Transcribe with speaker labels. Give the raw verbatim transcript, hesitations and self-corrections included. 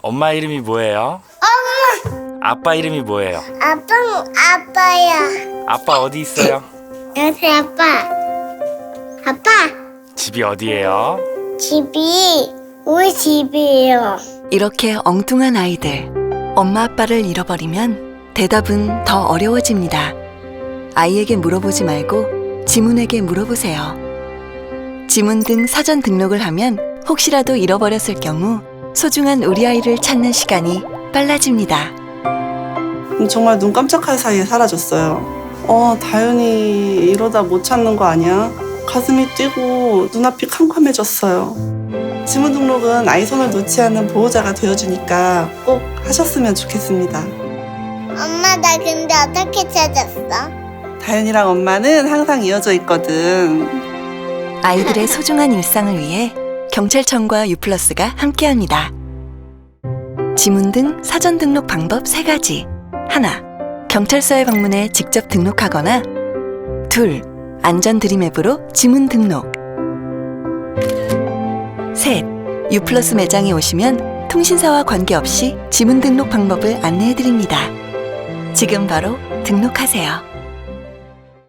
Speaker 1: 엄마 이름이 뭐예요?
Speaker 2: 엄마.
Speaker 1: 아빠 이름이 뭐예요?
Speaker 2: 아빠는 아빠야.
Speaker 1: 아빠 어디 있어요?
Speaker 2: 여기 아빠. 아빠.
Speaker 1: 집이 어디예요?
Speaker 2: 집이 우리 집이에요.
Speaker 3: 이렇게 엉뚱한 아이들, 엄마 아빠를 잃어버리면 대답은 더 어려워집니다. 아이에게 물어보지 말고 지문에게 물어보세요. 지문 등 사전 등록을 하면 혹시라도 잃어버렸을 경우 소중한 우리 아이를 찾는 시간이 빨라집니다.
Speaker 4: 정말 눈 깜짝할 사이에 사라졌어요. 어, 다윤이 이러다 못 찾는 거 아니야? 가슴이 뛰고 눈앞이 캄캄해졌어요. 지문 등록은 아이 손을 놓지 않는 보호자가 되어주니까 꼭 하셨으면 좋겠습니다.
Speaker 2: 엄마 나 근데 어떻게 찾았어?
Speaker 4: 다윤이랑 엄마는 항상 이어져 있거든.
Speaker 3: 아이들의 소중한 일상을 위해 경찰청과 유플러스가 함께합니다. 지문 등 사전 등록 방법 세 가지. 하나, 경찰서에 방문해 직접 등록하거나. 둘, 안전 드림 앱으로 지문 등록. 셋, 유플러스 매장에 오시면 통신사와 관계없이 지문 등록 방법을 안내해드립니다. 지금 바로 등록하세요.